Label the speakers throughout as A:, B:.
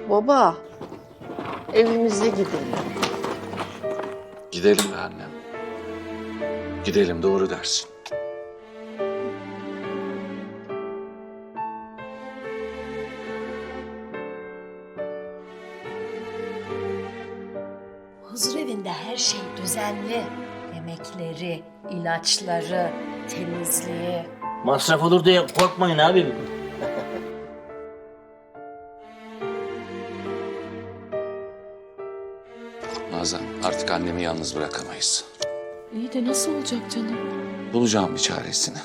A: Baba, evimize gidelim.
B: Gidelim be annem. Gidelim, doğru dersin.
C: Huzur evinde her şey düzenli. Yemekleri, ilaçları, temizliği.
D: Masraf olur diye korkmayın abim.
B: Nazan, artık annemi yalnız bırakamayız.
E: İyi de nasıl olacak canım?
B: Bulacağım bir çaresini.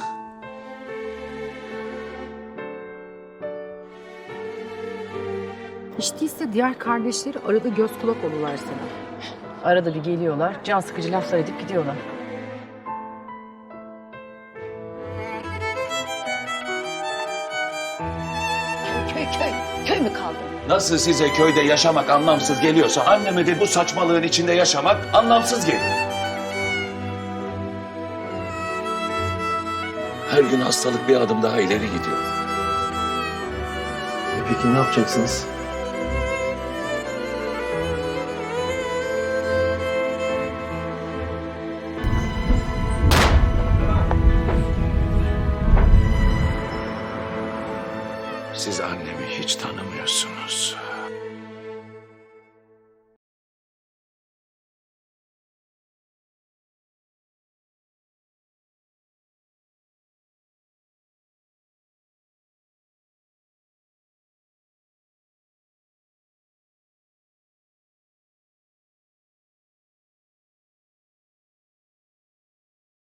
F: Hiç değilse diğer kardeşleri arada göz kulak olurlar sana. Arada bir geliyorlar, can sıkıcı laflar edip gidiyorlar.
C: Köy mü kaldı?
B: Nasıl size köyde yaşamak anlamsız geliyorsa anneme de bu saçmalığın içinde yaşamak anlamsız geliyor. Her gün hastalık bir adım daha ileri gidiyor.
D: Peki ne yapacaksınız?
B: Siz annemi hiç tanımıyorsunuz.